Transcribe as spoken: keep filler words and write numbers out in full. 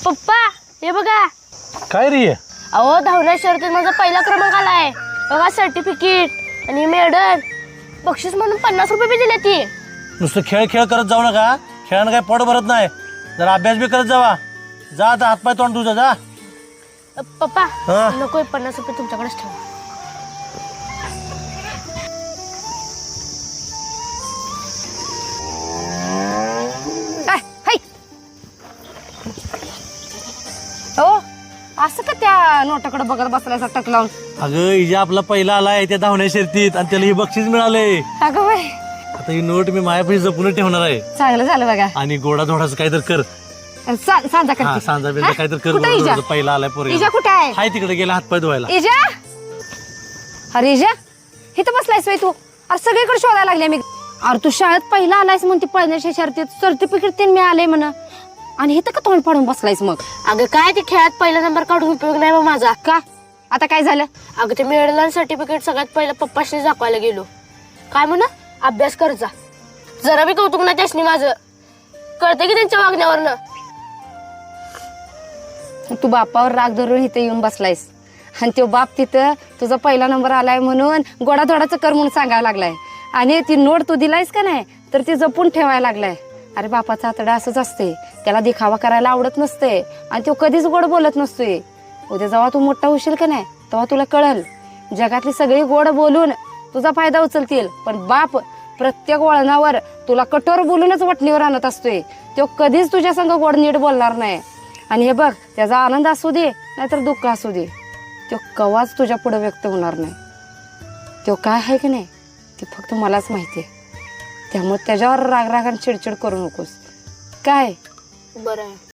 पप्पा हे बघा. काय रे? अहो धावण्या शर्यतीत माझा पहिला क्रमांक आलाय बघा. सर्टिफिकेट आणि मेडल बक्षीस म्हणून पन्नास रुपये बी दिले. ती नुसतं खेळ खेळ करत जाऊ नका. खेळानं काय पोट भरत नाही. जरा अभ्यास बी करत जावा. जा आता हातपाय तोंड तुझा जा. पप्पा हा? नको पन्नास रुपये तुमच्याकडेच ठेवा. हो असं का त्या नोटाकडे बघत बसलायचा टक लावून? अगं हिजा आपला पहिला आलाय त्या धावण्या शर्यतीत आणि त्याला हे बक्षीस मिळाले. अगं बाई आता ही नोट मी मायापाशी जपून ठेवणार आहे. चांगलं झालं बघा. आणि गोडा धोडाचं काहीतरी कर. सा- सांजा हा करते. सांजा बिंजा काहीतरी कर. कुठं इजा? गोडा पहिला आलाय पोरी. इजा कुठे आहे? हाय तिकडे गेला हातपाय धुवायला. इजा अरे इजा इथं बसलायस बाई तू? अरे सगळीकडे शोधायला लागले मी. अरे तू शाळेत पहिला आलायस म्हणते पळण्याच्या शर्तीत सर्टिफिकेट ते मिळाले म्हणा आणि इथं का तोंड फाडून बसलायस मग? अगं काय ते खेळात पहिला नंबर काढून उपयोग नाही बा माझा. का आता काय झालं? अगं ते मेडल आणि सर्टिफिकेट सगळ्यात पहिलं पप्पाशी दाखवायला गेलो. काय म्हणा अभ्यास कर जा. जरा बी कौतुक नाही त्यासनी माझं. कळतं की त्यांच्या वागण्यावरनं. तू बापावर राग धरून इथे येऊन बसलायस आणि तो बाप तिथं तुझा पहिला नंबर आलाय म्हणून गोडाधोडाचं कर म्हणून सांगायला लागलाय आणि ती नोट तू दिलायस का नाही तर ती जपून ठेवायला लागलाय. अरे बापाचा आतडा असंच असते. त्याला दिखावा करायला आवडत नसते आणि तो कधीच गोड बोलत नसतोय. उद्या जेव्हा तू मोठा होशील का नाही तेव्हा तुला कळल जगातली सगळी गोड बोलून तुझा फायदा उचलतील पण बाप प्रत्येक वळणावर तुला कठोर बोलूनच वटणीवर आणत असतोय. तो कधीच तुझ्या संग गोड नीट बोलणार नाही. आणि हे बघ त्याचा आनंद असू दे नाहीतर दुःख असू दे तो कवाच तुझ्या पुढे व्यक्त होणार नाही. तो काय आहे की नाही ते फक्त मलाच माहिती आहे. त्यामुळे त्याच्यावर राग राग आणि चिडचिड करू नकोस. काय बरं आहे.